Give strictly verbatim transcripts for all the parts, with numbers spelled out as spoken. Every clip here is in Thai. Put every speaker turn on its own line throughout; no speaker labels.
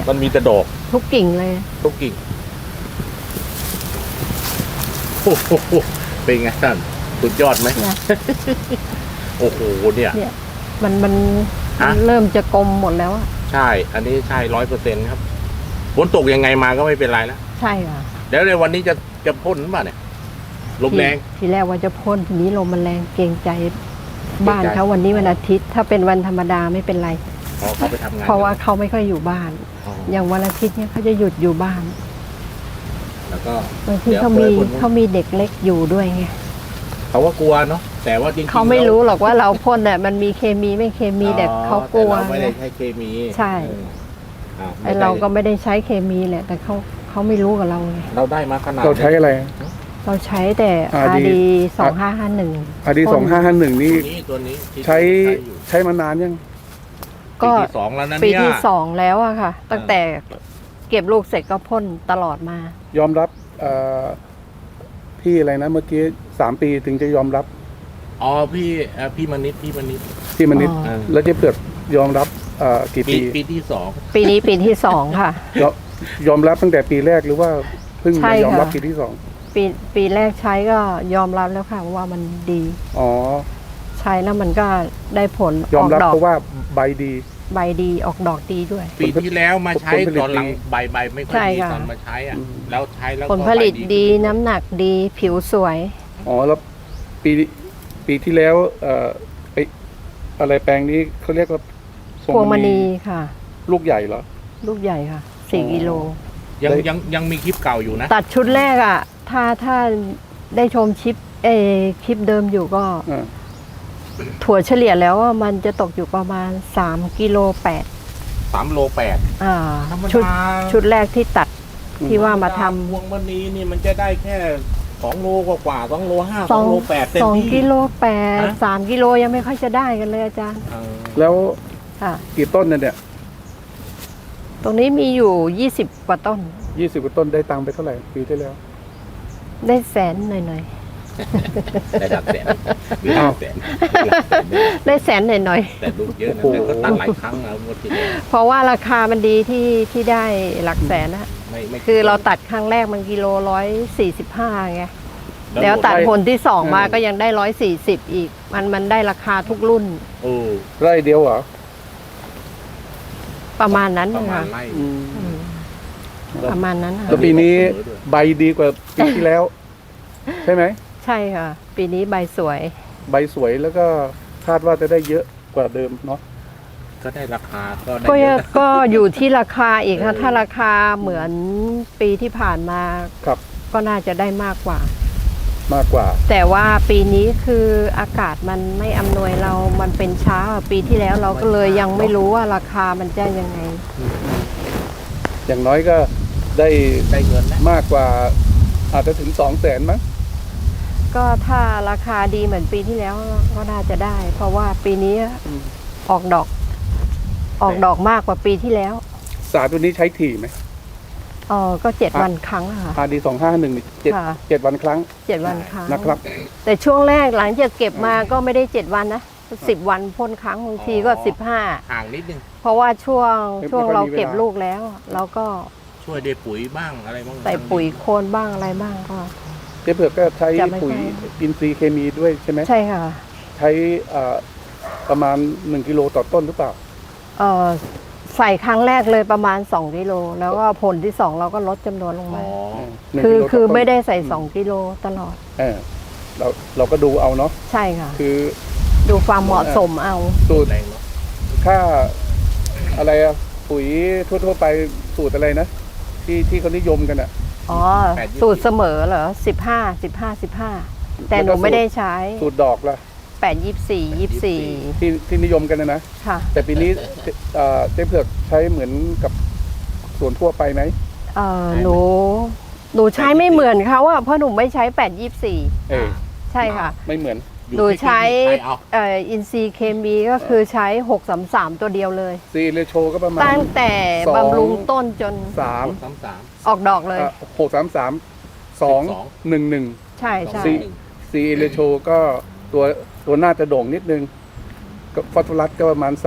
มันมีแต่ดอก
ทุกกิ่งเลย
ทุกกิ่งโอ้โหเป็นไงท่านสุดยอดไหม
นะ
โอ้โหเนี่ย
เนี่ย มันมัน
ฮะ
มันเริ่มจะกลมหมดแล้วอะ
ใช่ อันนี้ใช่ร้อยเปอร์เซ็นต์ครับฝนตกยังไงมาก็ไม่เป็นไรแล้ว
ใช่ค่ะ
แล้วในวันนี้จะจะพ่นหรือเปล่าเนี่ยลมแรง
ทีทีแรกว่าจะพ่นทีนี้ลมมันแรงเกรงใจบ้าน
เกรงใจ
เขาวันนี้วันอาทิตย์ ถ้าเป็นวันธรรมดาไม่เป็นไร
พอเขาไปทำงาน
เพราะว่าเขาไม่ค่อยอยู่บ้าน
อ๋อ
อย่างวันอาทิตย์เนี่ยเขาจะหยุดอยู่บ้าน
แล้วก็
บางที
ดี๋ยว
เขามี
ปิดพ่น
เขามีเด็กเล็กอยู่ด้วยไง
เขาว่ากลัวเนาะแต่ว่าจริงๆ
เขาไม่
แล้ว
รู้หรอกว่าเราพ่นเนี่ยมันมีเคมีไม่เคมีแต่เขากลัว
แต่เราไม่ได้
ไง
ใช้เคมี
ใช่
เอออ่า
ไอเราก็ไม่ได้ใช้เคมีแหละ แต่เขาเขาไม่รู้กับเราไง
เราได้มาขนาด
เราใช้อะไร
เราใช้แต่
อา
อา
ร์
ดี
ดี
สองห้าห้าหนึ่ง
อาดีสองห้าห้าหนึ่ง
ตั
นี่
วนี้ตัวนี้ที่
ใช้
อยู่
ใช้มานานยัง
ก็
ปีที่สองแล้วนะ
ปี
เนี่ย
ที่สองแล้วอะค่ะ ตั้งแต่เก็บลูกเสร็จก็พ่นตลอดมา
ยอมรับเอ่อพี่อะไรนะเมื่อกี้สามปีถึงจะยอมรับ
อ๋อพี่เอ่อพี่มณิษฐ์พี่มณิษฐ์
พี่มนิด
อ๋อ
แล้วเจ๊เผือกยอมรับเอ่อกี่
ปี
ปี
ปีที่สอง
ปีนี้ปีที่สองค่ะ
ยอมยอมรับตั้งแต่ปีแรกหรือว่าเพิ่ง
ใช่
มายอมรับ
ค่ะ
ปีที่สอง
ปีปีแรกใช้ก็ยอมรับแล้วค่ะว่ามันดี
อ๋อ
ใช้แล้วมันก็ได้ผล
ย
อ
อม
อก
รับ
ดอก
เพราะว่าใบดี
ใบดีออกดอกดีด้วย
ปีที่แล้วมาใช้
ผลผลิต
ตอนหลัง
ดี
ใบใบไม่ค่อย
ใช่
ดี
ค่ะ
ตอนมาใช้อ่ะ
อืม
แล้วใช้แล้ว
ผลผลิต
ก็ใบ
ดี
ขึ้
น้ำหนักดีผิวสวย
อ๋อแล้วปีปีที่แล้ว เอ่อไปอะไรแปลงนี้เขาเรียกว่า
พวงมณีค่ะ
ลูกใหญ่เหรอ
ลูกใหญ่ค่ะสี่
อ๋อ
กิโล
ยัง
ได้
ยังยังมีคลิปเก่าอยู่นะ
ตัดชุดแรกอ่ะ ถ้าถ้าได้ชมชิปเออคลิปเดิมอยู่ก็
อ่า
ถั่วเฉลี่ยแล้วว่ามันจะตกอยู่ประมาณสามกิโลแปด
สามโลแปด
อ่า
ธรรม
ชุด
ดา
ชุดแรกที่ตัดที่ว่ามาทำ
พวงมณีนี่มันจะได้แค่สองโลกว่าๆสองโลห้า
ส
ส
อ
อง งโลแปดเต็ม
สอง
ที่
กิโลแปด
ฮะ
สามกิโลยังไม่ค่อยจะได้กันเลยอาจารย์
เออ
แล้ว
ค่ะ
กี่ต้นเนี่ย
ตรงนี้มีอยู่ยี่สิบกว่าต้น
ยี่สิบกว่าต้นได้ตังค์ไปเท่าไหร่ปีที่แล้ว
ได้แสนหน่อย
ได้หลักแสนมีหลักแสนมีหลักแสนด้วย
ๆได้แสนหน่อย
แต่ลูกเยอะนะ
โอ้โห
แต่ก็ตัดหลายครั้งแล้วงวดที่แล้ว
ๆเพราะว่าราคามันดีที่ที่ได้หลักแสนนะ
ไม่ไม่
คือเราตัดครั้งแรกมันกิโลร้อยสี่สิบห้าไง
แล้
แล้ว วตัด
ได้
ผลที่สองมา
เออ
ก็ยังได้ร้อยสี่สิบอีก มันมันได้ราคาทุกรุ่น
โอ้
ไร่เดียวเหรอ
ประมาณนั้น
ประ
นะ
มาณ
คะ
ไร่
อืม
อืมประมาณนั้นค่ะ
แล้วปีนี้ใบดีกว่าปีที่แล้ว ใช่ไหม
ใช่ค่ะ ปีนี้ใบสวย
ใบสวยแล้วก็คาดว่าจะได้เยอะกว่าเดิมเนาะ
ก็ได้ราคาก็ได้
ก็
เย
ยัง
อะ
ก็อยู่ที่ราคาอีกค่ะ
เออ
ถ้าราคาเหมือนปีที่ผ่านมา
ครับ
ก็น่าจะได้มากกว่า
มากกว่า
แต่ว่าปีนี้คืออากาศมันไม่อำนวยเรา มันเป็นช้า ปีที่แล้วเราก็เลยยังไม่รู้ว่าราคามันจะยังไง
อย่างน้อยก็ได้
ได้เงินแล้ว
มากกว่า อาจจะถึงสองแสนมั้ง
ก็ถ้าราคาดีเหมือนปีที่แล้วก็น่าจะได้ เพราะว่าปีนี้
อืม
ออกดอก ออกดอกมากกว่าปีที่แล้ว
สารตัวนี้ใช้ถี่ไหม
เออก็เจ็ดวันครั้งอะค่ะ
อาดีสองห้าหนึ่งเจ็ด
ค่ะ
เจ็ดวันครั้ง
เจ็ดวันครั้ง
นะครับ
แต่ช่วงแรกหลังจากเก็บมาก็ไม่ได้เจ็ดวันนะสิบวันพ่นครั้งบางทีก็สิบห้า
ห่างนิดนึง
เพราะว่าช่วง
ไม่
ช่วง
ไม่ค่อย
เรา
มีเวลา
เก็บลูกแล้ว เราก็
ช่วยได้ปุ๋ยบ้างอะไรบ้าง
ใส่ปุ๋ยโคลนบ้างอะไรบ้างก็
เจ๊เผือกก็ใช้
จะไม่
ปุ๋ย
ใช่
อินทรีย์เคมีด้วยใช่ไหม
ใช่ค่ะ
ใช้อ่าประมาณหนึ่งกิโลต่อต้นหรือเปล่า
เออใส่ครั้งแรกเลยประมาณสองกิโลแล้วก็ผลที่สองเราก็ลดจำนวนลง
อ๋
มา
อ
หนึ่ง
คือ
กิโลต่
คือ
ต้น
ไม่ได้ใส่สองกิโลตลอด
เออเราเราก็ดูเอาเนาะ
ใช่ค่ะ
คือ
ดูความเหมาะสมเอา
สูตร
แรงเนาะ
ค่าอะไรอะปุ๋ยทั่วๆไปสูตรอะไรนะ ที่ที่เขานิยมกันอะ
อ๋อ สูตรเสมอเหรอสิบห้าสิบห้าสิบห้าแต่หนูไม่ได้ใช้
สูตรดอกล่ะ
แปดยี่สี่ยี่สี่
ที่ที่นิยมกันนะนะ
ค่ะ
แต่ปีนี้เอ่อเจ๊เผือกใช้เหมือนกับสวนทั่วไปไหม
เออหนูหนูใช้ไม่เหมือนเขาอะเพราะหนูไม่ใช้แปดยี่สี่
เออ
ใช่ค่ะ
ไม่เหมือน
อยู่
หนูใช้
ที่เอา
เอ่ออินซีย์เคมีก็คือใช้หกสามสามตัวเดียวเลย
ซีเรโชก็ประมาณ
ตั้งแต่
สอง
บำรุงต้นจน
สาม
สามสาม
ออกดอกเลย
หกสามสามสองหนึ่งหนึ่ง
ใช่ใช่
สี่ ซีเรโชก็ตัวตัวหน้าจะโด่งนิดนึงก็ฟอสฟอรัสก็ประมาณสาม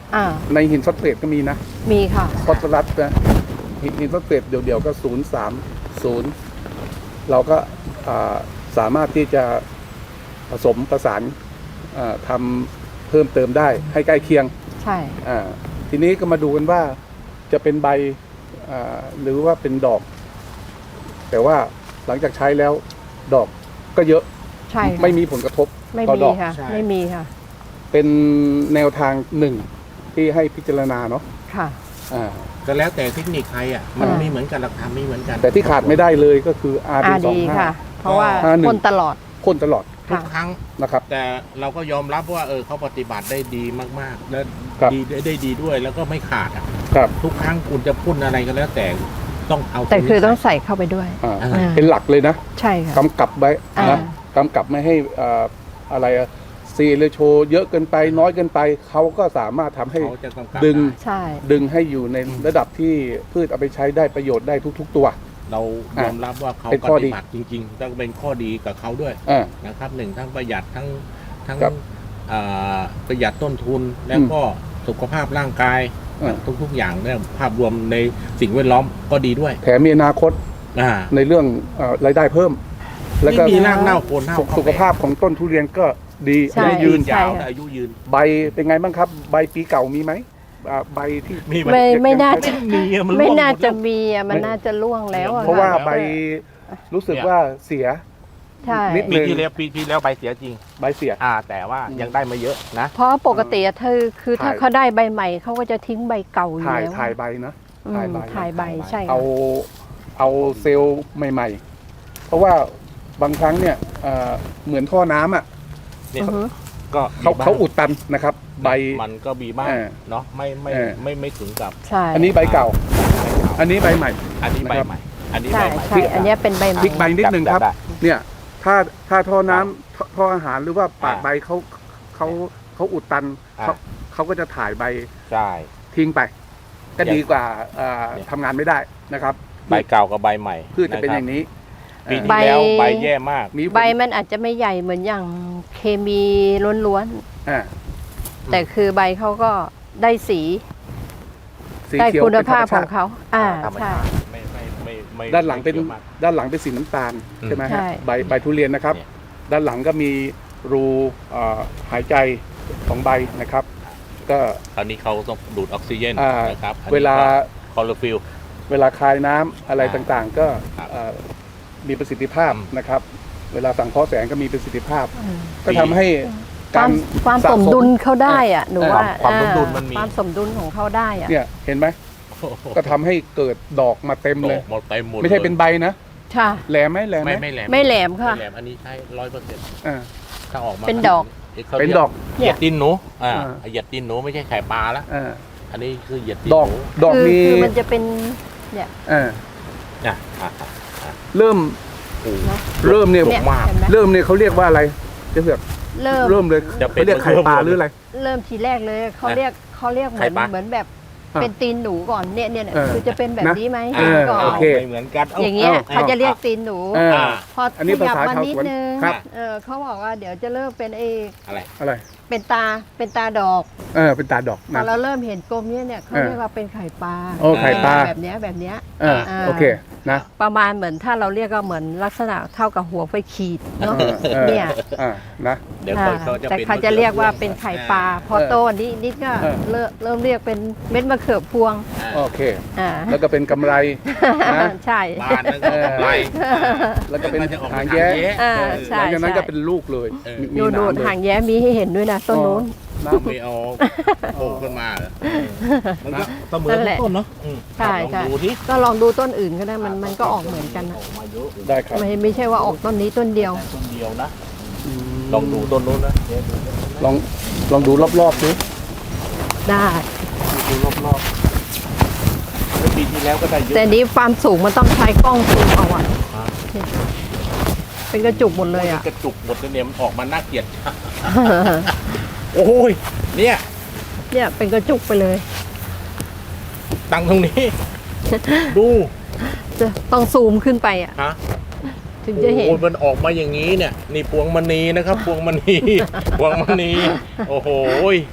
อ่า
ในหินฟอสเฟตก็มีนะ
มีค่ะ
ฟอสฟอรัสนะหินหินฟอสเฟตเดี๋ยวๆก็ศูนย์สามศูนย์เราก็อ่าสามารถที่จะผสมประสานอ่าทำเพิ่มเติมได้ให้ใกล้เคียง
ใช่
อ่าทีนี้ก็มาดูกันว่าจะเป็นใบอ่าหรือว่าเป็นดอก แต่ว่าหลังจากใช้แล้วดอกก็เยอะ
ใช่ค่ะ
ไม่มีผลกระทบ
ไม่
ต่อ
มี
ดอก
ค่ะ
ใช่
ไม่มีค่ะ
เป็นแนวทางหนึ่งที่ให้พิจารณาเนาะ
ค่ะ
อ่า
ก็แล้วแต่เทคนิคใครอ่ะมัน
อ่า
ไม่เหมือนกันหลักฐานไม่เหมือนกัน
แต่ที่ขาดไม่ได้เลยก็คือ อาร์
อา
ดี สอง
ดี
ห้า
ค่ะ เพราะว่า
ห้าหนึ่ง
คนตลอด
พ่นตลอด
ทุก
ค่ะ
ครั้ง
นะครับ
แต่เราก็ยอมรับว่าเออเขาปฏิบัติได้ดีมากๆ และ
ครับ
ดีได้ได้ดีด้วยแล้วก็ไม่ขาดอ่ะ
ครับ
ทุกครั้งคุณจะพ่นอะไรก็แล้วแต่ต้องเอา
แต่คือต้อง
วนี้
ใส่เข้าไปด้วย
อ่า
อ่า
อ่า
เป็นหลักเลยนะ
ใช่ค่ะ
กำกับไว้
อ่า
นะกำกับไม่ให้อ่าอะไรซีเรโชเยอะเกินไปน้อยเกินไปเขาก็สามารถทำให้
เขาจะกำกับ
ดึง
ได้
ใช่
ดึงให้อยู่ในระดับที่พืชเอาไปใช้ได้ประโยชน์ได้ทุก ๆ ตัว
เรายอมรับว่าเขา
เป็น
ป
ข้อดี
ฏิบัติจริงๆต้องเป็นข้อดีกับเขาด้วย
อ่า
นะครับหนึ่งทั้งประหยัดทั้งทั้ง
ครับ
อ่าประหยัดต้นทุนแล้วก็สุขภาพร่างกาย
อ่า
ทุกๆอย่างเนี่ยภาพรวมในสิ่งแวดล้อมก็ดีด้วย
แถมมีอนาคต
อ่า
ในเรื่องเอ่อรายได้เพิ่ม แล้ว
ไม่
ก็
มีรากเน่าโคนเน่า
สุขสุขภาพของต้นทุเรียนก็ดี
ใช่
อายุยืน
ใช่
ยาว
ค่ะ
อายุยืน
ใบเป็นไงบ้างครับ ใบปีเก่ามีไหมอ่าใบที่
มีไหม
ไม่ไม่น่าจะ
มีอะมัน
ไม่
ร่วงหด
น่าจะ
แล้ว
มีอ่ะมันน่าจะล่วงแล้วอะ
เพราะว่า
ค่
ใบรู้สึกว่าเสีย
ใช่
นิด
ปีที่แล้วปีที่แล้วใบเสียจริง
ใบเสีย
อ่า แต่ว่า
อืม
ยังได้มาเยอะนะ
เพราะปกติอะเธอคือถ้า
ถ่าย
เขาได้ใบใหม่เขาก็จะทิ้งใบเก่าอยู่
ถ่าย
แล้ว
ถ่ายใบนะ
อืม
ถ่ายใบ
ถ่ายใบใช่ค่ะ
เอาเอาเซลล์ใหม่ ๆ เพราะว่าบางครั้งเนี่ยเอ่อเหมือนท่อน้ำอ่ะ
เนี่ย
อือฮึ
ก็
เขา
มีบ้ง
เขาอุดตันนะครับ ใบ
มันก็มีบ้าง
เออ
เนาะไม่ไม่
เออ
ไม่ไม่ถึงกับ
ใช่
อันนี้ใบเก่า อันนี้ใบใหม่
อันนี้ใบ
นะครับ
ใหม่ อันนี้
ใช่
ใบใหม่
ใช่อันเนี้ยเป็นใบให
พลิ
ม่
กใบนิดนึงครับ
ได้
เนี่ยถ้าถ้าท่อน้ำท่อท่ออาหารหรือว่าปากใบเขาเขาเขาอุดตัน
อ่า
เขาเขาก็จะถ่ายใบ
ใช่
ทิ้งไป ก็
อย่าง
ดีกว่าเอ่อ
เนี่ย
ทำงานไม่ได้นะครับ
ใบเก่ากับใบใหม่
พืชจะเป็นอย่างนี้
ปี
เอ่อ
ที่แล้วใบแย่มาก
มีผล
ใบมันอาจจะไม่ใหญ่เหมือนอย่างเคมีล้วน
อ่า
ๆ แต่คือใบเขาก็ได้สี
สี
ได้
เขียว
คุณ
เป็นธร
ภาร พ
ม
ข
ชา
อง
ติ
เขา อ่า
ธรรม
ใช่
ชาติไม่ไม่ไม่ไม่
ด้านหลังเป็น
ไม่กี่ยวมาก
ด้านหลังเป็นสีน้ำตาล
อืม
ใช่ไหม
ใช่
ฮะใบใบทุเรียนนะครับ
เนี่ย
ด้านหลังก็มีรูเอ่อหายใจของใบนะครับ ก็
คราวนี้เขาต้องดูดออกซิเจน
อ่า
นะครับอันนี้
เวลา
คลอโรฟิล
เวลาคายน้ำอะไร
อ่า
ต่างๆ ก็
ครับ
เอ่อมีประสิทธิภาพ
อืม
นะครับ เวลาสังเคราะห์แสงก็มีประสิทธิภาพ
อืม
ก็ทำให้
ควา
การ
มความ
สะ
สมดุลเขาได้อ่ะหนูว่า
ความสมดุล
อ่
มันมี
ความสมดุลของเขาได้อ่ะ
เนี่ยเห็นไหมก็ทำให้เกิดดอกมาเต็มเลย
หมดเต็มหมด
ไม่ใช่เป็น
ลย
ใบนะ
ค่ะ
แหลมไหมแหลมไหม
ไม่ไม่แหลม
ไม่แหลมค่ะ
ไม่แหลมอันนี้ใช้ร้อยเปอร์เซ็นต์
อ่า
ถ้าออกมา
เป็นดอก
ขา
เป็น
รีย
ดอก
เหยียดตีนหนูอ่า
อ่า
เหยียดตีนหนูไม่ใช่ไข่ปลาละ
อ่า
อันนี้คือเหยียดตีน
ดอก
หนู
ดอก
คือ
มี
คือมันจะเป็นเนี่ย
อ่า
อ่ะอ่ะอ่ะ
เริ่ม
โอ้
นะ
เริ่มเนี่ย
เนี่ย
มาก
เห็นไหม
เริ่มเนี่ยเขาเรียกว่าอะไรเจะเสือก
เริ่ม
เริ่มเลย
จะเป็น
เขาเรียกไข่ปลาหรืออะไร
เริ่มทีแรกเลยเขาเรียกเขาเรียกเหมื
ไข่
อน
ปลา
เหมือนแบบ
อ่ะ
เป็นตีนหนูก่อนเนี่ยเนี่ยเนี่ย
เออ
คือจะเป็นแบบ
นะ
นี้ไหม
เออ
ก่อน
โอเค
ไม่เหมือนกัน
อย่างเงี้ย
เอา
เขาจะเรียกตีนหนู
เออ
อ่า
พอ
อันนี้
ขยับ
ภาษา
มา
ชาว
นิด
สวน
นึง
ครับ
เออเขาบอกว่าเดี๋ยวจะเริ่มเป็นเอ
อะไร
อะไร
เป็นตาเป็นตาดอก
เออเป็นตาดอก
พอ
นะ
เราเริ่มเห็นกลมเนี่ยเนี่ยเขา
เออ
เรียกว่าเป็นไข่ปลา
โอ้ไข่ปลา
แบบเนี้ยแบบเนี้ย
เออ
อ่า
โอเคนะ
ประมาณเหมือนถ้าเราเรียกก็เหมือนลักษณะเท่ากับหัวไฟขีดเนาะ
เออเออ
เนี่ย
อ่านะ
เดี๋ยว
อ่า
เขาจะ
แต่
เป็น
เขาจะเรียกว่าเป็นไข่ปลาพอ
เออ
โตนิดนิดก็
เออ
เริ่มเริ่มเรียกเป็นเม็ดมะเขือพวง
อ่า
โอเค
อ่า
แล้วก็เป็นกำไรนะ
ใช่
บ้านนั่นก็กำไร
แล้วก็เป็น
จะออก
หาง
เป็น
แย้
อ่า
เออ
ใช่
หลังจากนั้น
ใช่
ก็เป็นลูกเลย
เออ
มี
ดู
ห
ดู
นามเลย
หางแย้มีให้เห็นด้วยนะต้นนู้น
นะ
ไม่เอาโผล่ขึ้นมาเหรอมันก็เสมอ
นั่นแหละ
ต้นเนาะอืม
ใช่
ลอง
ใช่
ดูที่
ก็ลองดูต้นอื่นก็ได้มันมันก็ออกเหมือนกันนะ
ออกมาเยอะ
ได้ครับ
ไม่ไม่ใช่ว่าออกต้นนี้ต้นเดียว
ต้นเดียวนะ ลองดูต้นนู้นนะเดี๋ยวดู
ลองลองดูรอบๆดู
ได้
ดูรอบๆแล้วปีที่แล้วก็ได้เยอะ
แต่นี้ความสูงมันต้องใช้กล้องซูมเอาอะ
อ่า
เป็นกระจุกหมดเลยอะ
กระจุกหมดเลยเนี่ยมันออกมาน่าเกลียด โอ้ยเนี่ย
เนี่ยเป็นกระจุกไปเลย
ตั้งตรงนี้ ดู
จะต้องซูมขึ้นไปอะ
ฮะ
ถึงจะเห็น
โอ้ยมันออกมาอย่างนี้เนี่ยนี่พวงมณีนะครับ พวงมณี พวงมณีโอ้โหย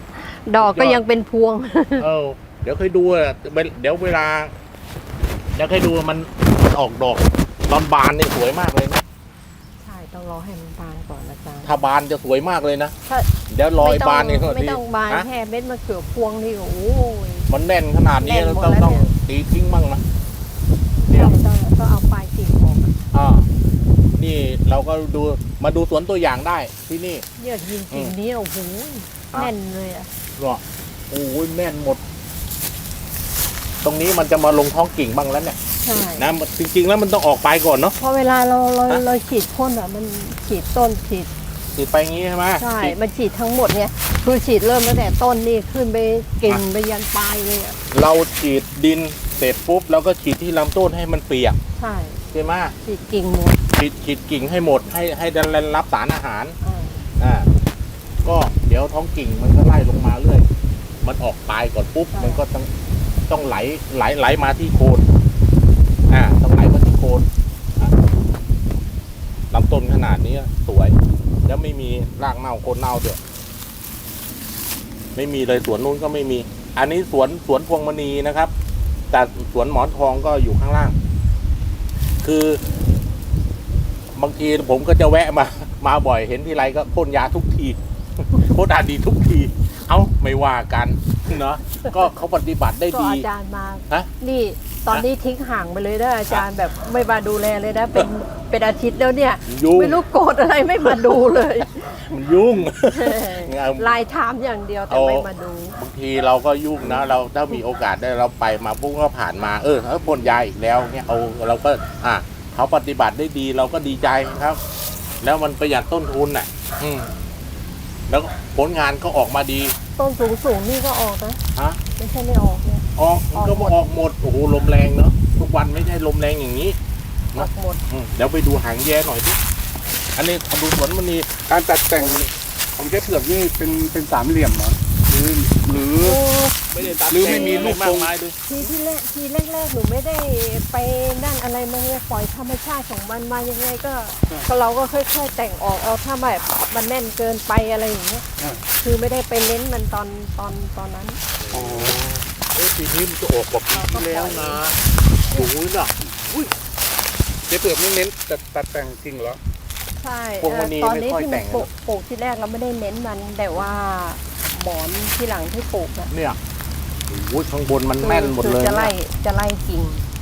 ดอกก็ยังเป็นพวง
เออเดี๋ยวเคยดูอะเดี๋ยวเวลาเดี๋ยวเคยดูมันมันออกดอกตอนบานเนี่ยสวยมากเลยนะ
ใช่ต้องรอให้มันบานก่อนอาจารย์
ถ้าบานจะสวยมากเลยนะ
ถ้า
เดี๋ยวรอย
ไม่ต้อง
บานเนี่ย
ไม่ต้องบาน
ฮะ
แค่เม็ดมะเขือพวงนี่โอ้ย
มันแน่นขนาดนี้
แน่นหม
เรา
ด
ต้อง
แล้ว
ต้อง
เนี่ย
ตีทิ้งบ้างนะ
เดี๋ยวต้องต้องเอาปลายกิ่งออก
อ่านี่เราก็ดูมาดูสวนตัวอย่างได้ที่นี่
เนี่ยยิงกิ่งนี้โอ้โหแน่นเลยอ่ะ
ก็โอ้ยแน่นหมด ตรงนี้มันจะมาลงท้องกิ่งบ้างแล้วเนี่ย
ใช่
นะมันจริง ๆ แล้วมันต้องออกไปก่อนเนาะ
เพราะเวลาเราเรา
ฮะ
เราฉีดพ่นอ่ะมันฉีดต้นฉีด
ติดไปอย่างงี้ใช่ไหม
ใช่
ฉีด
มันฉีดทั้งหมดเนี่ยคือฉีดเริ่มตั้งแต่ต้นนี่ขึ้นไปกิ่งไปยันปลายเลยอ่ะ
เราฉีดดินเสร็จปุ๊บแล้วก็ฉีดที่ลำต้นให้มันเปียก
ใช่
ใช่ไหม
ฉีดกิ่งหมด
ฉีดฉีดกิ่งให้หมดให้ให้ได้รับสารอาหาร
อ่า
อ่าก็เดี๋ยวท้องกิ่งมันก็ไล่ลงมาเรื่อยมันออกปลายก่อนปุ๊บมันก็ต้องต้องไหลไหลไหลมาที่โคนอ่าต้องไหลมาที่โคนอ่ะลำต้นขนาดนี้สวยแล้วไม่มีรากเน่าโคนเน่าด้วยไม่มีเลยสวนนู้นก็ไม่มี อันนี้สวนสวนพวงมณีนะครับ แต่สวนหมอนทองก็อยู่ข้างล่าง คือบางทีผมก็จะแวะมา มาบ่อยเห็นทีไรก็พ่นยาทุกที พ่นอาดีทุกที เอ้าไม่ว่ากันเนาะก็เขาปฏิบัติได้
ก็
ดี
อาจารย์มา
ฮะ
นี่ตอนนี้ทิ้งห่างไปเลยนะอาจารย์แบบไม่มาดูแลเลยนะเป็นเป็นอาทิตย์แล้วเนี่ย
ยุ่ง
ไม่รู้โกรธอะไรไม่มาดูเลย
มันยุ่ง
ไลน์ถามอย่างเดียวแต่
เอา
ไม่มาดู
บางทีเราก็ยุ่งนะ เราถ้ามีโอกาสได้เราไปมาปุ๊บก็ผ่านมา เออเออพ่นยาอีกแล้วเนี่ยเอาเราก็อ่ะเขาปฏิบัติได้ดีเราก็ดีใจครับ แล้วมันประหยัดต้นทุนน่ะ อืมแล้วผลงานก็ออกมาดี
ต้นสูงสูงๆนี่ก็ออกนะ
ฮะ
ไม่ใช่ไม่ออกเนี่ย
ออกมันก็
ออกหมด
ออกหมดโอ้โหลมแรงเนาะทุกวันไม่ใช่ลมแรงอย่างนี้
ออกหมด
อืมเดี๋ยวไปดูหางแย่หน่อยดิอันนี้ดูสวนมันนี่
การตัดแต่งของเจ๊เผือกนี่เป็นเป็นสามเหลี่ยมเหรอหรือหรือ
โอ้
ไม่ได้ตัด
หรือไม่มีลูก
มาก
ทรง
มายด้วย
ทีที่แรกทีแรกๆหนูไม่ได้ไปนั่นอะไรมันเลยปล่อยธรรมชาติของมันมายังไงก็ก็เราก็ค่อยๆแต่งออกเอาถ้าแบบมันแน่นเกินไปอะไรอย่างเงี้ย
อ่า
คือไม่ได้ไปเน้นมันตอนตอนตอนนั้น
อ๋อ
เอ้ยปีนี้มันจะออกกว่าปีที่แล้วนะโอ้ยน่ะ
เจ๊เผือกไม่เน้นตัดตัดแต่งจริงเหรอ
ใช่
พวงมณี
เอ่อตอนนี้
ไม่ค่อย
ที่
แต่
มัน
ง
ปลูกปลูกที่แรกเราไม่ได้เน้นมันแต่ว่าหมอนที่หลังที่ปลูกอะ
เนี่ยโอ้ยข้างบนมันแน่นหมดเลย
คือจะไล่
เนี่ย
จะไล่กิ่ง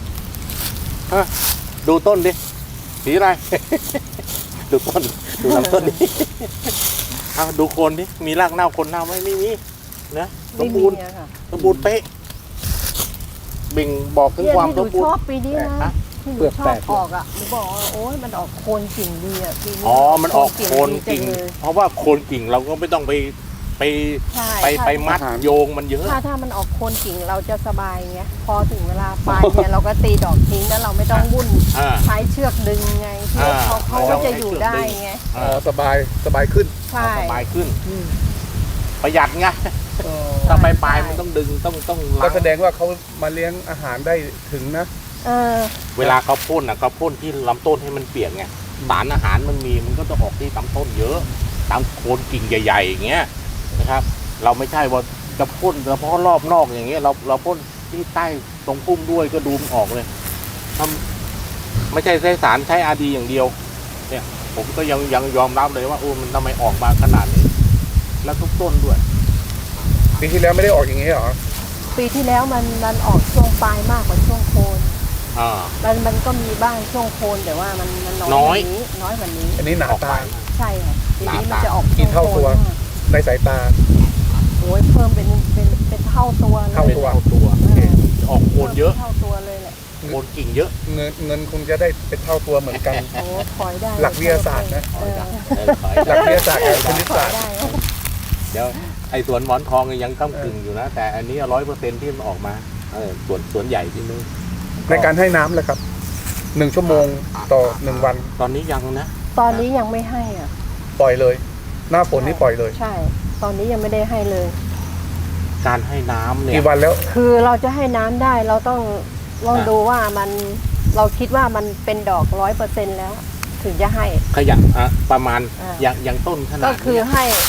ดูต้นดิสีอะไร ดูต้น ดูลำต้นดิ เอาดูโคนดิ มีรากเน่าโคนเน่าไหมไม่มีนะส
ไม่
ม
มี
บูรณ์
อะค่ะ
สมบูรณ์เป๊ะบิ่งบอกถึง
เนี่ย
ความ
ที่ห
ส
นู
มบูร
ชอบ
ณ์
ปีนี้นะ
ฮะ
ที่หนูชอบออกอ่ะหนูบอกว่าโอ้ยมันออกโคนกิ่งดีอ่ะปีนี้
อ๋อ มันออกโคน
ดี
กิ่ง
จัเลย
เพราะว่าโคนกิ่งเราก็ไม่ต้องไปไป
ใช่
ไป
ถ้า
ไปมัดโยงมันเยอะ
ถ้าถ้ามันออกโคนกิ่งเราจะสบายไงพอถึงเวลาปลายเนี่ยเราก็ตีดอกทิ้งแล้วเราไม่ต้องวุ่น
อ่า
ใช้เชือกดึงไงเชือกเขา
อ่า
เขาก็จะอยู่ได้ไง
อ๋อสบายสบายขึ้น
ใช่
สบายขึ้น
อืม
ประหยัดไง ถ้าไปปลายมันต้องดึงต้องต้องล้า
ก็
ง
แสดงว่าเขามาเลี้ยงอาหารได้ถึงนะ
เออ
เวลาเขาพ่นอ่ะเขาพ่นที่ลำต้นให้มันเปียกไงสารอาหารมันมีมันก็จะออกที่ลำต้นเยอะตามโคนกิ่งใหญ่ๆอย่างเงี้ยนะครับ เราไม่ใช่ว่าจะพ่นเฉพาะรอบนอกอย่างเงี้ยเราเราพ่นที่ใต้ตรงพุ่มด้วยก็ดูมันออกเลยทำไม่ใช่ใช้สารใช้อาดีอย่างเดียว เนี่ย ผมก็ยังยังยอมรับเลยว่าโอ้มันทำไมออกมาขนาดนี้ แล้วทุกต้นด้วย
ปีที่แล้วไม่ได้ออกอย่างนี้เหรอ
ปีที่แล้วมันมันออกช่วงปลายมากกว่าช่วงโคน
อ่า
มันมันก็มีบ้างช่วงโคนแต่ว่ามันมันน้อย
น้อย
กว่านี้น้อยกว่านี้
อันนี้หนา
ออก
ตา
ไป
ใช่ค่ะปีนี้
หนา
มัน
ตา
จะออก
กี่เท่าตัว
ช่งโคนมาก
ในสายตา
โอ้ยเพิ่มเป็นเป็นเป็นเท่าตัวเลย
เท่า
เป็นเท่าตัว
เออ
ออกโคนเยอะ
เท่าตัวเลยแหละ
โคนกิ่งเยอะ
เงินเงินคงจะได้เป็นเท่าตัวเหมือนกัน
โอ้ถอยได้
หลักวิทยาศาสตร์นะ
เออ
เออถอย
หลักวิทยาศาสตร์กับคณิต
ถอ
ศาย สตร์
ได้
เดี๋ยวไอ้สวนหมอนทองยังก้ากึ่งอยู่นะ แต่อันนี้ร้อยเปอร์เซ็นที่มันออกมาเออสวนสวนใหญ่ที่นี่
ในการให้น้ำเลยครับหนึ่งชั่วโมงต่อหนึ่งวัน
ตอนนี้ยังนะ
ตอนนี้ยังไม่ให้อ่ะ
ปล่อยเลย หน้าฝนนี่ปล่อยเลย
ใช่ ตอนนี้ยังไม่ได้ให้เลย
การให้น้ำเนี่ย
กี่วันแล้ว
คือเราจะให้น้ำได้เราต้องลองดูว่ามันเราคิดว่ามันเป็นดอกร้อยเปอร์เซ็นต์แล้ว ถึงจะให้
ขยันอ่ะประมาณ
อ่า
อย่างอย่างต้นขนาด
ก็คือ
เนี้ย
ให้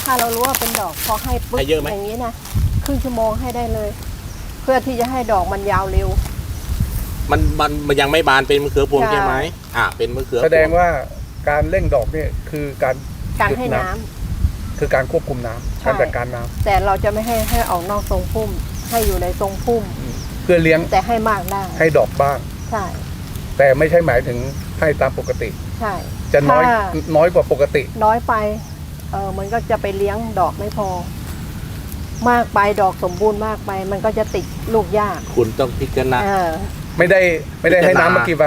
ถ้าเรารู้ว่าเป็นดอกพอให้ปุ๊บ
ให้เยอะไหม
อย่างนี้นะครึ่งชั่วโมงให้ได้เลย เพื่อที่จะให้ดอกมันยาวเร็ว
มันมันมันยังไม่บานเป็นมะเขือพวง
ใช่
ใช่ไหมอ่าเป็นมะเขือพว
แสดงว่าการเร่งดอกเนี่ยคือการ
การ
หยุด
ให้น้ำ
คือการควบคุมน้ำ
ใช่
การจัดการน้ำ
แต่เราจะไม่ให้ให้ออกนอกทรงพุ่ม ให้อยู่ในทรงพุ่ม
เพื่อเลี้ยง
แต่ให้มากได้
ให้ดอกบ้าง
ใช่
แต่ไม่ใช่หมายถึงให้ตามปกติ
ใช่
จะน้อย
ถ้า
น้อยกว่าปกติ
น้อยไปเออมันก็จะไปเลี้ยงดอกไม่พอ มากไปดอกสมบูรณ์มากไป มันก็จะติดลูกยาก
คุณต้องพิจารณา
เออ
ไม่ได้ไม่ได้ให้
พิจารณา
น้ำมากี่วัน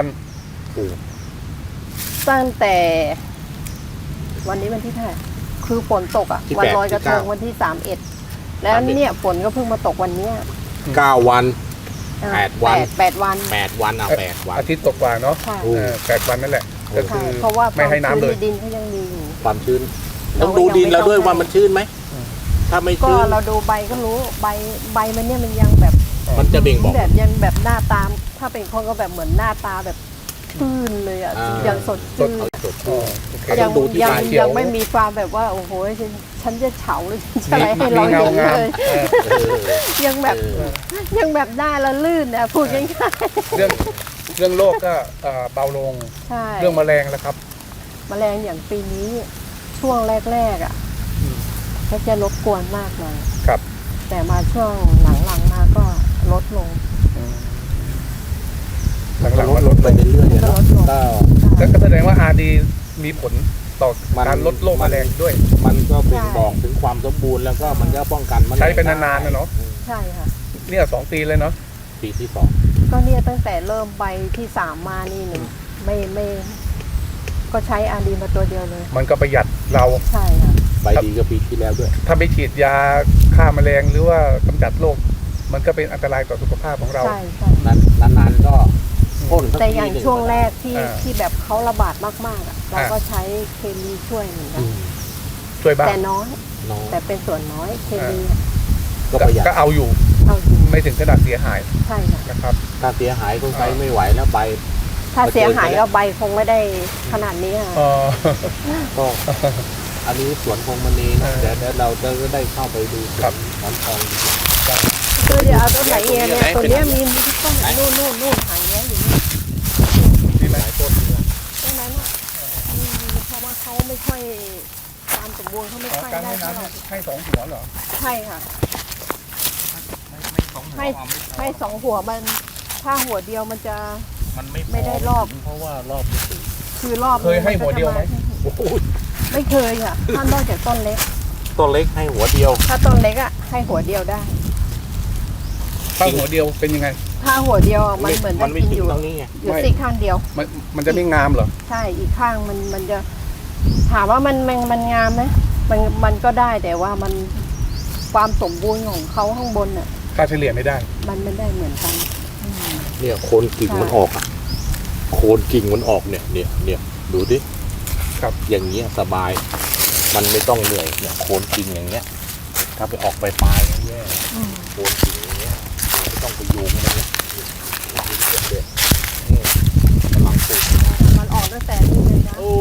ตั้งแต่วันนี้วันที่เท่าไหร่คือฝนตกอ่ะ
ที่
วัน
แปด
ลอยกระทง
ที่เก้า
วันที่สามเอ็ดแล้ว
สามเอ็ด
เนี่ยฝนก็เพิ่งมาตกวันเนี้ย
เก้าวัน
เออ
แปดวัน
แปดวัน
แปดวันเอาแปดวัน
อาทิตย์ตกกว่าเนาะ
ใช่
โอ้
เออแปดวันนั่นแหละ ก็คื
ใช่
อ
เพราะว่า
ไม่ให้น้ำเลย
ความชื้ดินเขายังมีอยู่
ความชื้น
เรา
ต้องดูดินเราด้วย
ยังไม่ต้อง
ว่ามันชื้นไหม
อืม
ถ้าไม่
ก็
ชื้น
เราดูใบก็รู้ใบใบมันเนี่ยมันยังแบบ
มันจะเบ่งบอก
แบบยังแบบหน้าตาม ถ้าเป็นคนก็แบบเหมือนหน้าตาแบบชื่นเลยอ่ะ
อ่า
ยังสดชื่น
เอาสด
อ๋
ชื่
อน โอเค
ต้
ยั
องดูที่
ยัง
ใบ
เขียว
ยังไม่มีความแบบว่าโอ้โหฉันฉันจะเฉาหรือฉันจะอะไรให้เรา
มี
เห็
เงาน งาม
เลย
เออ
เออ
ยังแบบ
เออ
ยังแบบหน้าละลื่นนะพูดง่าย
เรื่องเรื่องโรคก็เอ่อเบาลง
ๆใช่
เรื่องแมลงแล้วครับ
แมลงอย่างปีนี้ช่วงแรกๆอ่ะ
อืม
ก็จะรบกวนมากเลย
ครับ
แต่มาช่วงหลังๆมาก็ลดลง
อืมหลัง
ล
ๆ
ด
ว่า
ล
ล
ด
ด
ไป
ลง
เรื่อยๆเนาะ
ลดลง
ก็
ก็แสดงว่าอาดีมีผลต่อ
มัน
การลดโรคแมลงด้วย
มันก็เป็นบอกถึงความสมบูรณ์แล้วก็มันก็ป้องกันแมลง
ใช้ไปนานๆนะเนาะ
อืม
ใช่ค่ะ
เนี่ยสองปีเลยเนาะ
ปีที่สอง
ก็เนี่ยตั้งแต่เริ่มใบที่สามมานี่หนึ่งไม่ไม่ ก็ใช้อาดีมาตัวเดียวเลย
มันก็ประหยัดเรา
ใช่ค่ะ
ใบดีก็ปีที่แล้วด้วย
ถ้าไม่ฉีดยาฆ่าแมลงหรือว่ากำจัดโรคมันก็เป็นอันตรายต่อสุขภาพของเรา
ใช่ใช่
นานนานๆก็พ่นสัก
แต่
ที
อย่าง
หนึ่
ช่วงแรกที่
อ่า
ที่แบบเขาระบาดมากๆอ่ะเราก็ใช้เคมีช่วยเหมือนกั
อื
น
ม
ช่วยบ้าง
แต่น้อย
น้อง
แต่เป็นส่วนน้อยเคมี
ก็ประหยัด
ก็เอาอยู่
เอาจริง
ไม่ถึงขนาดเสียหาย
ใช่ค่ะ
นะครับ
ถ้าเสียหายคงใช้ไม่ไหวแล้วใบ
ถ้าเสียหายก็ใบคงไม่ได้ขนาดนี้ค่ะ
เออ
ก็ อันนี้สวนพงมณีนะ
เออ
เดี๋ยวเดี๋ยวเราจะได้เข้าไปดูส
ครั
วน
บ
หมอนทองดีกว่า
คือเดี๋ยวเอาต้นไหนเองเนี่ย
ไหน
ตัว
เป็น
เนี้ยมีมีทุกต้นนู่นนู่นนู่นหางเนี้ยอยู่นี่
นี่ไหม
หลายต้นเนี่ย
ต้นนั้นอ่ะอืมเพราะว่าเขาไม่ค่อยความสมบูรณ์เขาไม่
อ๋อ
ค่อย
การ
ได้
ให้
เท่าไหร่
น้ำให้สองหัวเหรอ
ใช่ค่ะ
ไม่สองหัว
ให้ ให้สองหัวมันถ้าหัวเดียวมันจะ
มันไม่
ไม่ได้รอบ
เพราะว่ารอบมันติด
คือรอบ
เคยให้หัวเดียวไหม
โอ้โห
ไม่เคยค่ะถ้านอกจากต้นเล็ก
ต้นเล็กให้หัวเดียว
ถ้าต้นเล็กอ่ะให้หัวเดียวได้
ถ้าหัวเดียวเป็นยังไง
ถ้าหัวเดียวอะมันเหมือน
มั
จะ
นไม่
กิน
ถึ
อง ยู่
ตรงนี้ไง
อยู่
ไม่
ซีกข้างเดียว
มันมันจะไม่งามเหรอ
ใช่อีกข้างมันมันจะ ถามว่ามันมันมันงามไหมมันมันก็ได้แต่ว่ามันความสมบูรณ์ของเขาข้างบนอ่ะ
ค่าเฉลี่ยไม่ได้
มันไม่ได้เหมือนกันอืม
เนี่ยโคนกิ่งมันออกอ่ะโคนกิ่งมันออกเนี่ยเนี่ยเนี่ยดูดิ
ครับ
อย่างเงี้ยสบาย มันไม่ต้องเหนื่อยเนี่ยโคนกิ่งอย่างเงี้ย ถ้าไปออกไปปลายๆแย่
อืม
โคนกิ่งอย่างเงี้ยไม่ต้องไปโยงมันเนี่ยเด็ดนี่กำลังปลูก
มันออกตั้งแต่นี่เลยนะ
โอ้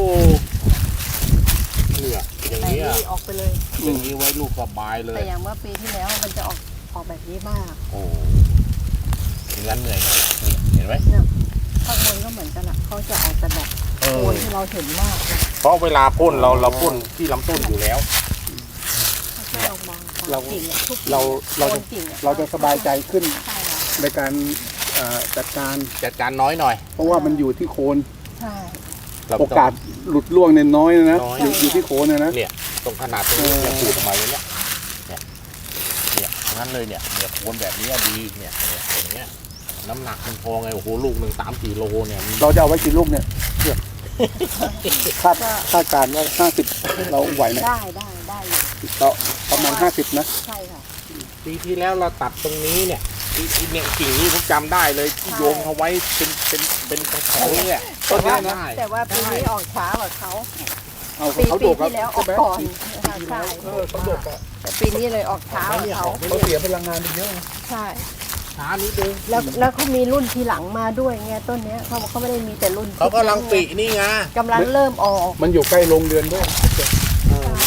เนี่ยอย่าง
แต่
เงี้ย
นี่ออกไปเลย
อย่างนี้ไว้ลูกสบายเลย
แต่อย่างเมื่อปีที่แล้วมันจะออกออกแบบนี้มาก
โอ้งั้นเหนื่อยหน่อยนี่เห็นไหม
ข้างบนก็เหมือนกันอ่ะเขาจะออกแต่แบบ
เอ
โค
อน
ที่เราเห็นมากเลย
เพราะเวลาพ่นเราเราพ่นที่ลำต้นอยู่แล้ว
แค่เรามองความ
เรา
กิ่งอะทุก
เราเรา
โค
จะ
นกิ่งอ
เราจะสบายใจขึ้น
ใช่ค่ะ
ในการเอ่อจัดการ
จัดการน้อยหน่อย
เพราะว่ามันอยู่ที่โคน
ใช่
เรต้ง
โอกาสหลุดร่วงเนี่ยน้อยนะ
น้อย
อยู่อยู่ที่โคนนะนะ
เนี่ยตรงขนาดตรงนี้
เออ
เนี่ยขูดออกมาอย่างเนี้ยเนี่ยเนี่ยงั้นเลยเนี่ยเนี่ยโคนแบบนี้ดีเนี่ยเนี่ยอย่างเงี้ยน้ำหนักมันพอไงโอ้โหลูกหนึ่งสามสี่โลเนี่ยมัน
เราจะเอาไว้กี่ลูกเนี่ยคาดคาดการณ์ว่าห้าสิบเราไหวไหม
ได้ได้ได้อยู่
เราประมาณห้าสิบนะ
ใช่ค่ะ
ปีที่แล้วเราตัดตรงนี้เนี่ยอีอีเนี่ยกิ่งนี้ผมจำได้เลยที่โยงเอาไว้เป็นเป็นเป็นกระถางเนี่ย
ต้นเนี้ยนะ
ได้
แต่ว่าปีนี้ออกช้ากว่าเขา
เอา
ปี
เขา
ปี
โดก
ที่แล้วออก
ใช่ไหม
ก่อนนะคะใช่
เออเขาโดกอะ
แต่ปีนี้เลยออกช้ากว่าเขา
เขาเสียพลังงานไปเยอะนะ
ใช่
ช้านิดนึง
แล้วแล้วเขามีรุ่นทีหลังมาด้วยไงต้นเนี้ยเขาเขาไม่ได้มีแต่รุ่น
เขากำลังปีนี่ไง
กำลังเริ่มออก
มันอยู่ใกล้โรงเรือนด้วย
เออ
โรง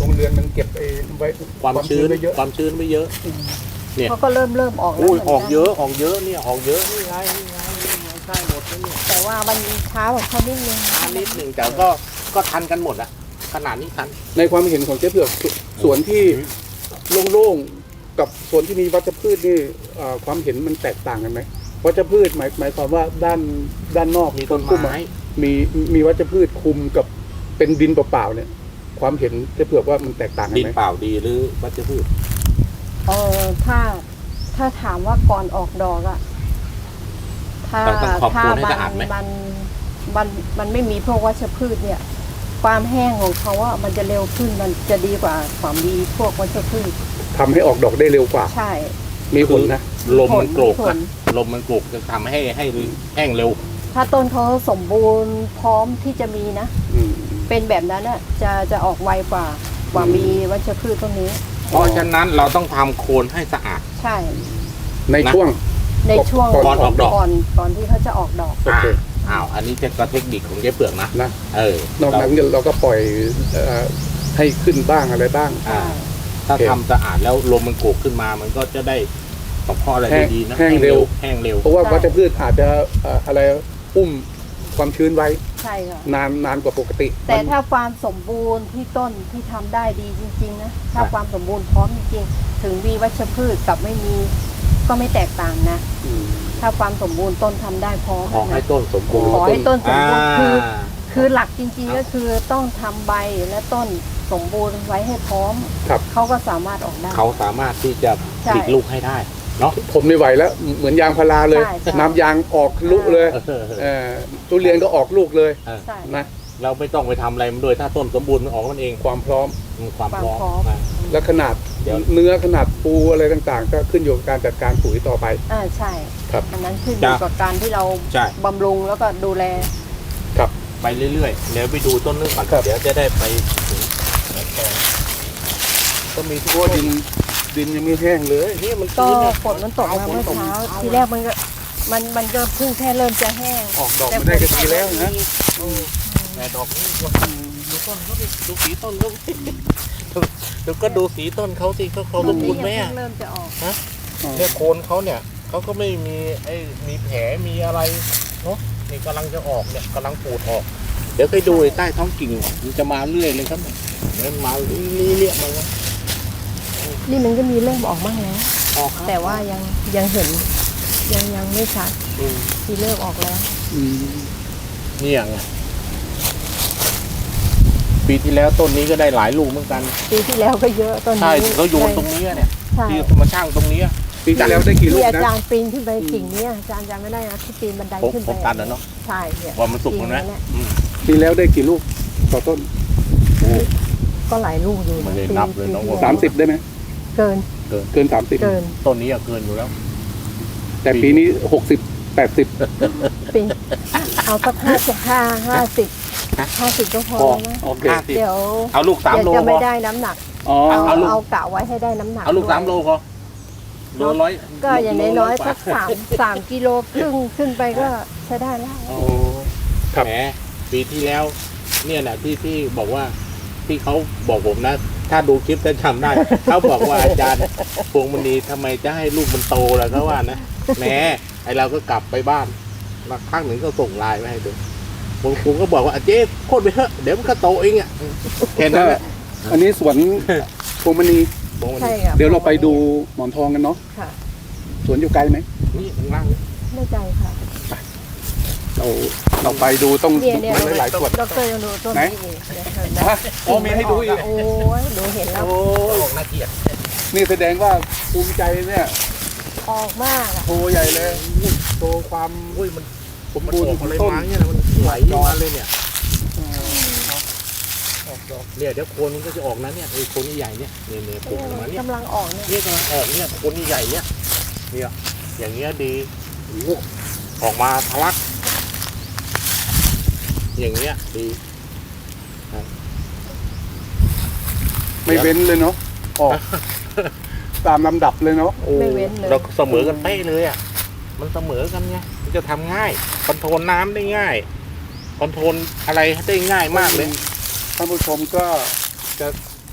รงเรือนมันเก็บไอ้ไว้
ความชื้น
ไว้เยอะ
ความชื้นไม่เยอะ เนี่ย
เขาก็เริ่มเริ่มออกแล้ว
อุ้ย
เหมืน
ออก
น
เยอะออกเยอะเนี่ยออกเยอะนี่ไงนี่ไงนี่ไงใช่หมดแล้วเนี่ย
แต่ว่ามันช้ากว่าเขานิดนึง
ช้านิดหนึ่งแต่ก็ก็ทันกันหมดอะขนาดนี้ทัน
ในความเห็นของเจ๊เผือกสสวนที่โล่งๆกับสวนที่มีวัชพืชนี่เอ่อความเห็นมันแตกต่างกันไหมวัชพืชหมายหมายความว่าด้านด้านนอก
มีต้น
คุ้ม
ไม้
อะมีมีวัชพืชคุมกับเป็นดินเปล่าๆเนี่ย ความเห็นเจ๊เผือกว่ามันแตกต่างกัน
ดิน
ไหม
เปล่าดีหรือวัชพืช
เออถ้าถ้าถามว่าก่อนออกดอกอะถ้า
ต้องต้องขอบ
ถ้า
คุณให้
มั
สะอาดไหม
มันมันมันไม่มีพวกวัชพืชเนี่ย ความแห้งของเขาว่ามันจะเร็วขึ้นมันจะดีกว่าความมีพวกวัชพืช
ทำให้ออกดอกได้เร็วกว่า
ใช่
มีผลนะ
ลมมันโกรก
ผ
อะ
ล
ลมมันโกรกจะทำให้ให้แห้งเร็ว
ถ้าต้นเขาสมบูรณ์พร้อมที่จะมีนะ
อืม
เป็นแบบนั้นน่ะจะจะออกไวกว่ากว่ามีวัชพืชตรงนี้
เพราะฉะนั้นเราต้องทำโคนให้สะอาด
ใช่
ใน
นะ
ช่วง
ในช่วง
ก่อนออกดอก
ก่อนก่อนที่เขาจะออกดอก
โอเค
อ้าว อันนี้จะก็เทคนิคของเจ๊เปลือกนะ
นะ
เออ
นอกนั้นเราก็ปล่อยเอ่อให้ขึ้นบ้างอะไรบ้าง
อ่า ถ้า
โอเค
ทำสะอาดแล้วลมมันโกรกขึ้นมา มันก็จะได้ตบข้ออะไร
แห้ง
ดีๆนะ
แห้งเร็ว
แห้งเร็ว
เพราะว่าวัชพืชอาจจะเอ่ออะไรอุ้มความชื้นไว้
ใช่ค่ะ
นานนานกว่าปกติ
แต่
มัน
ถ้าความสมบูรณ์ที่ต้นที่ทำได้ดีจริงๆนะถ้าความสมบูรณ์พร้อมจริงๆถึงมีวัชพืชกับไม่มีก็ไม่แตกต่างนะ
อืม
ถ้าความสมบูรณ์ต้นทำได้พร้อม
ขอให้
นะ
ต้นสมบูรณ์
ขอให้ต้นสมบูรณ์คือ
อ่า
คือหลักจริงๆก็คือต้องทำใบและต้นสมบูรณ์ไว้ให้พร้อม
ครับ
เขาก็สามารถออกได้
เขาสามารถที่จะ
ใช่
ผลิตลูกให้ได้เนาะ
ทนไม่ไหวแล้วเหมือนยางพาราเลย
ใช่ใช่
น้ำยางออกลุเลย
เออ
เออทุเรียนก็ออกลูกเลย
ใช่
นะ
เราไม่ต้องไปทำอะไรมันด้วยถ้าต้นสมบูรณ์มันออกมันเอง
ความพร้อม
มันความ
ความ
พร้อม
พร้อม
นะ
และขนาด
เดี๋ยว
เนื้อขนาดปูอะไรต่างๆ ก็ขึ้นอยู่กับการจัดการปุ๋ยต่อไป
อ่าใช่
ครับ
อันนั้นขึ้นอยู่กับการที่เรา
ใช่
บำรุงแล้วก็ดูแล
ครับ
ไปเรื่อยๆ เดี๋ยวไปดูต้นนึงก่อน
ครับ
เดี๋ยวจะได้ไปถึงแกงก็มีทุก
เพราะว่า
ต้
ดิ
น
นดินยังไม่แห้งเลย
นี่มัน
ก็
ชื้เย
ฝนมันตกมาเมื่อเช้าทีแรกมันก็มันมันก็เพิ่งแค่เริ่มจะแห้ง
ออกดอกมาได้ก็ดีแล้วนะ
แต่ดอกนี่ดูต้นเขาดิดูสีต้นเขาสิดูก็ดูสีต้นเขาสิเขาเขาสมบูรณ์ไหม
ยั
อะ
งเริ่มจะออก
เนี่ยโคนเขาเนี่ยเขาก็ไม่มีไอ้มีแผลมีอะไรเนาะนี่กำลังจะออกเนี่ยกำลังปูดออก เดี๋ยวไปดูไอ้ใต้ท้องกิ่งมันจะมาเรื่อยเลยครับเนี่ยมันมาเรื่อยๆมาแล้ว
นี่มันก็มีเริ่มออกบ้างแล้ว
ออกครับ
แต่ว่ายังยังเห็นยังยังไม่ชัด
อืม
ที่เริ่มออกแล้ว
อืม
เนี่ยไงปีที่แล้วต้นนี้ก็ได้หลายลูกเหมือนกัน
ปีที่แล้วก็เยอะต้น
ใช่
นี้
เขาโยนตรงนี้เนี่ย
ใช่
ที่มาช่างตรงนี้
ปีที่แล้วได้กี่ลูก
ที่อา
นะ
จารย์ปีนขึ้นไปกิ่งเนี้ยอาจารย์จำไม่ได้นะที่ปีนบันได
ผม
ขึ้น
ผ
ไป
มตัดแล้วเนาะ
ใช่เนี่ย
ว่ามันสุกแล้วนะ
กิ่งเนี่ย
อืม
ปีแล้วได้กี่ลูกต่อต้น
ก็หลายลูกอยู่
ไม่
นะ
ได้
ปี
นับเลยน้อง
ปีที่
สามสิบได้ไหม
เกิน
เกินสามสิบ
เกิน
ต้นนี้อะเกินอยู่แล้ว
แต่ปีนี้หกสิบแปดสิบ
ปีเอาสักห้าสิบห้าห้าสิบ
ฮะ
ห้าสิบก็พอ
พอ
แล้วนะ
โอเค
ห้าสิบ
เดี๋ยว
เอาลูกสามโล
เดี๋ยวจะ
พ
ไม่
อ
ได้น้ำหนัก
อ๋อ
เอา
เอาลูก
เอากะไว้ให้ได้น้ำหนัก
เอาลูก
ด้วย
สามโลพอโลร้อย
ก็อย่างน้อยๆ
โล
สักสามสามกิโลครึ่งขึ้นไปก็ใช้ได้แล้ว
โอ้
ครับ
แหมปีที่แล้ว เนี่ยแหละที่ที่บอกว่าที่เขาบอกผมนะ ถ้าดูคลิปจะจำได้ เขาบอกว่าอาจารย์พวงมณีทำไมจะให้ลูกมันโตล่ะเขาว่านะแหมไอเราก็กลับไปบ้านมาครั้งหนึ่งก็ส่งไลน์มาให้ดูผมผมก็บอกว่าอ่ะเจ๊โคตรไปเถอะเดี๋ยวมันก็โตเองอ่ะแค่นั้นแหละ
อันนี้สวนพวงมณี
พวงมณี
ใช่ค่ะ
เดี๋ยวเราไปดูหมอนทองกันเนาะ
ค่ะ
สวนอยู่ไกลไหม
นี่ข้างล่าง
ไม่ใจค่ะ
เราเราไปดูต้อง
เนี่ยเนี่ย
มันหลายๆส่วน
ดอกเตอร์ยังดูต้น
ไหน
นี้อีกเดี๋ยวเห็นไหม
ฮะอ๋อมีให้ดูอีก
โอ้ยดูเห็นแล้ว
โอ้ออกน่าเกลียด
นี่แสดงว่าภูมิใจเนี่ย
ออกมากอะ
โชว์ใหญ่เลยโชว์ความ
อุ้ยมัน
สม
มัน
บูร
อ
ณ์
อก
ขอ
อะไร
งต้น
มาเนี่ยมันไหลมาเลยเนี่ย
เออออกดอก
เนี่ยเดี๋ยวโคนมันก็จะออกนะเนี่ยไอ้โคนใหญ่ๆเนี่ยเนี่ยเนี่ยปลูกออกมาเนี่ย
กำลังออกเนี่ย
เนี่ยกำลังออกเนี่ยโคนใหญ่ๆเนี่ยเนี่ยอย่างเงี้ยดีโอ้โหออกมาทะลัก อย่างเงี้ยดี
ไม่เว้นเลยเนาะออกตามลำดับเลยเนาะ
โอ้
ไม่เว้นเลย
เราเสมอกันเป๊ะเลยอ่ะมันเสมอกันไงมันจะทำง่ายคอนโทรลน้ำได้ง่ายคอนโทรลอะไรได้ง่ายมากเลย
ท่านผู้ชมก็จะ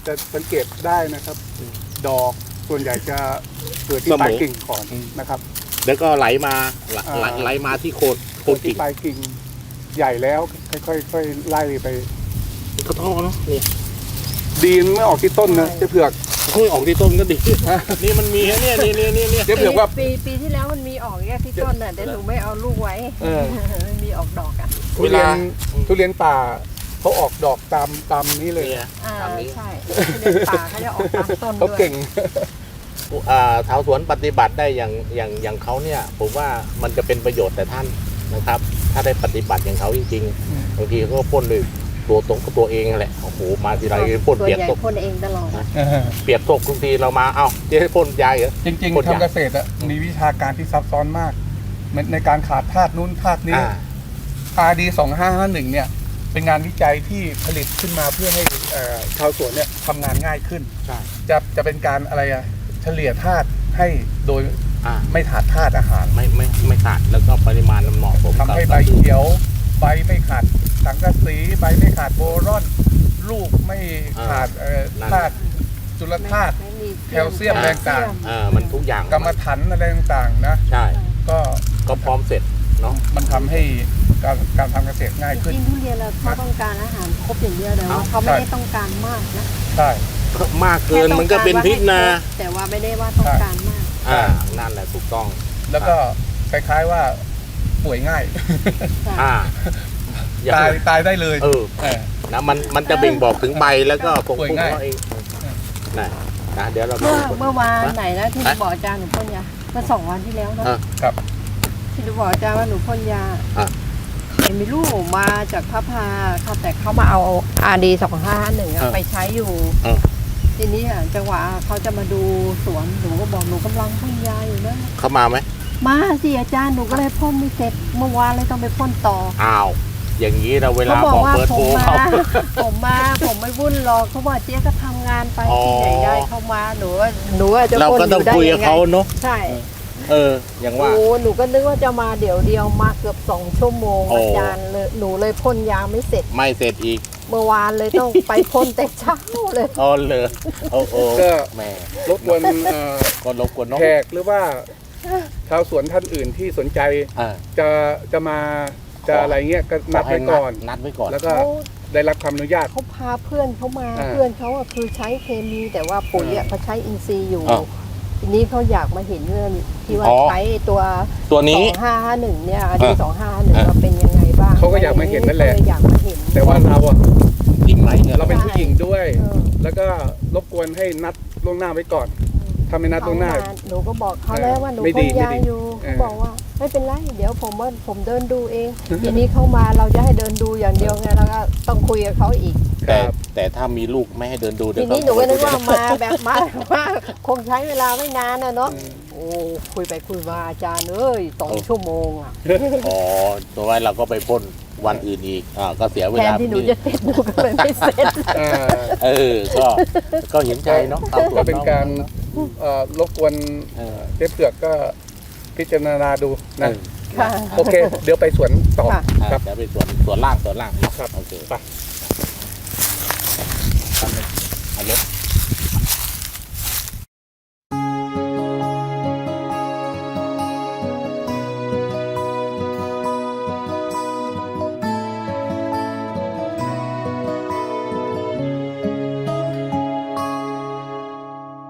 จะสังเกตได้นะครับ ดอกส่วนใหญ่จะเกิดที่ปลายกิ่งก่อนนะครับ
แล้วก็ไหลมาไหล
อ่า
ไหลไหลมาที่โคนโคนกิ่ง
ที่ปลายกิ่งใหญ่แล้วค่อยๆค่อยๆไล่ไป
กระท้อเนาะนี่
ดีนไม่ออกที่ต้นนะเจ๊เผือก
เฮ้ยออกที่ต้นก็ดี นี่มันมีนะเนี่ยนี่นี่นี่นี่
เจ๊เผือกว่า
ปีปีที่แล้วมันมีออกแค่ที่ต้นน่ะแต่หนูไม่เอาลูกไว้
เออ
มันมีออกดอกอ่ะ
ทุเรียนทุเรียนป่าเขาออกดอกตามตามนี้เลย
เนี่ย
อ่า
ตามนี้
ใช่ทุเรียนป่าเขาจะออกตามต้น
เขา
ด้วย
เก่ง
อ่าชาวสวนปฏิบัติได้อย่างอย่างอย่างเขาเนี่ย ผมว่ามันจะเป็นประโยชน์แต่ท่านนะครับ ถ้าได้ปฏิบัติอย่างเขาจริง
อืม
ๆบางทีเขาก็พ่นด้วยตัวตรงกับตัวเองแหละโอ้โหมาทีไรพ่น
ตัว
เปียก
ใหญ่
ตก
พ่นเองตลอดอะ
เปียกตกทุกทีเรามาเอ้าเจ๊ให้พ่นยาเหรอ
จริง
คน
ๆ
อยาก
ทำเกษตรอะมีวิชาการที่ซับซ้อนมากในในการขาดธาตุนู้นธาตุนี้
อ่า
อาร์ ดี สองห้าห้าหนึ่งเนี่ยเป็นงานวิจัยที่ผลิตขึ้นมาเพื่อให้เอ่อชาวสวนเนี่ยทำงานง่ายขึ้น
ใช่
จะจะเป็นการอะไรอะเฉลี่ยธาตุให้โดย
อ่า
ไม่ขาดธาตุอาหาร
ไม่ไม่ไม่ขาดแล้วก็ปริมาณมันเหมาะสม
ทำให้
กับ
ใบเขียว ใบไม่ขาดสังกะสีใบไม่ขาดโบรอน ลูกไม่ขาดเอ่อธาตุจุลธาตุ
ไม่มี
แคลเซียมแรงต่าง
เออมันทุกอย่าง
กรรมฐานอะไรต่างๆนะ
ใช่
ก็
ก็พร้อมเสร็จเนาะ
มันทำให้การการทำเกษตรง่าย
จ
ขึ้น
ริงๆทุเรียนเราเขาต้องการอาหารครบอย่างเดียวแต่ว่าเขาไม่ได้ต้องการมากนะ
ใช่
มากเกินมันก็เป็นพิษนะ
แต่ว่าไม่ได้ว่าต้องการมาก
อ่านั่นแหละถูกต้อง
แล้วก็คล้ายๆว่าป่วยง่าย
อ่าอย่า
ตายตายได้เลย
เออ
เออ
นะมันมันจะเบ่งบอกถึงใบแล้วก็คง
ป่วย
พุ่ง
ง่าย
เขาเองนะนะเดี๋ยวเรา
เมื่อ
ดู
เมื่อวานไหนนะที่หนู
ฮะ
บอกอาจารย์หนูพ่นยาเมื่อสองวันที่แล้วนะ
อ่ะ
ครับ
ที่หนูบอกอาจารย์ว่าหนูพ่นยา
อ่ะ
เห็นมีลูกมาจากพระพาค่ะแต่เขามาเอาอาร์ดีสองห้าหนึ่งไปใช้อยู่
อ่ะ
ทีนี้อ่ะจังหวะเขาจะมาดูสวนหนูก็บอกหนูกำลังพ่นยาอยู่นะ
เข้ามาไหม
มาสิอาจารย์หนูก็เลยพ่นไม่เสร็จเมื่อวานเลยต้องไปพ่นต่อ
อ้าวอย่างนี้เราเว
เขา
ลา
บอก
บอก
ว่า
เบอร์
ผ
โทร
มมา
เขา
ผมมาผมไม่วุ่นหรอกเขาบอกเจ๊ก็ทำงานไป
อ๋อ
ที่ไหนได้เข้ามาหนูว่าหนูว่าจะ
เรา
พ่น
ก็
อ
ต้อง
ยู่ได้
คุย
ยั
กับ
งไง
เขาเนาะ
ใช่
เออ อย่างว่า
โอ้หนูก็นึกว่าจะมาเดี๋ยวเดียวมาเกือบสองชั่วโมง
โอ้
อาจารย์เลยหนูเลยพ่นยาไม่เสร็จ
ไม่เสร็จอีก
เมื่อวานเลยต้องไปพ่นแต่เช้าเลย
อ๋อเลยโอ้โอ้
ก็
แหม่
รบกวนเอ่อ
ก็รบกวนน้อง
แขกหรือว่าชาวสวนท่านอื่นที่สนใจ
อ่า
จะจะมาจะอะไรเงี้ยก็นัดไว้ก่อน
นัดไว้ก่อน
แล้วก็
เขา
ได้รับความอนุญาต
เขาพาเพื่อนเขามา
อ่า
เพื่อนเขาอะคือใช้เคมีแต่ว่าปุ๋ยอะ
อ่า
เขาใช้อินทรีย์อยู่
อ่า
ทีนี้เขาอยากมาเห็นเรื่องที่ว่า
อ๋อ
ใช้ตัว
ตัว
ส
นี้
องห้าห้าหนึ่งเนี่ยอดี
อ่า
สองห้าหนึ่ง
อ่า
เราเป็นยังไงบ้าง
เขาก็อยากมาเห็นนั่นแหละ
ก็เยอยากมาเห็น
แต่ว่าเราอะ
จริงไหมเนี่ย
เราเป็นผู้หญิงด้วย
เออ
แล้วก็รบกวนให้นัดล่วงหน้าไว้ก่อน ถ้าไม่นัดล่วงหน้า
เขมหนูก็บอกเขาแล้วว่าหนู
ไม่
พ่
ดี
น
ไม่
ยา
ดี
อยู่
เอ
เขา
อ
บอกว่าไม่เป็นไรเดี๋ยวผมว่าผมเดินดูเอง ทีนี้เขามาเราจะให้เดินดูอย่างเดียวไงแล้วก็ต้องคุยกับเขาอีก
แต่แต่ถ้ามีลูกไม่ให้เดินดูเดี๋
ที
ยว
นี้หนูก็นึกว่า
เข
มาแบบมามาคงใช้เวลาไม่นานนะเนาะโอ้คุยไปคุยมาอาจารย์เอ้ยสองชั่วโมงอ่ะ
อ๋อตัวไว้เราก็ไปพ่นวันอื่นอีกอ่าก็เสียเว
แทน
ลา
ที่หนูจะเสร็จหนูก็เลยไม่เสร็จ
อ่า
เออก็ก็เห็นใจเนาะตามสว
ก็
น
เป็นการ เอ่อรบกวน
เออ
เจ๊เปลือกก็พิจารณาดูนะ
ค่ะ
โอเค เดี๋ยวไปสวนต่อ
ค่ะ
อ่า
ครับ
เดี๋ยวไปสวนสวนล่างสวนล่างเนาะ
ครับ
โอเค
ไป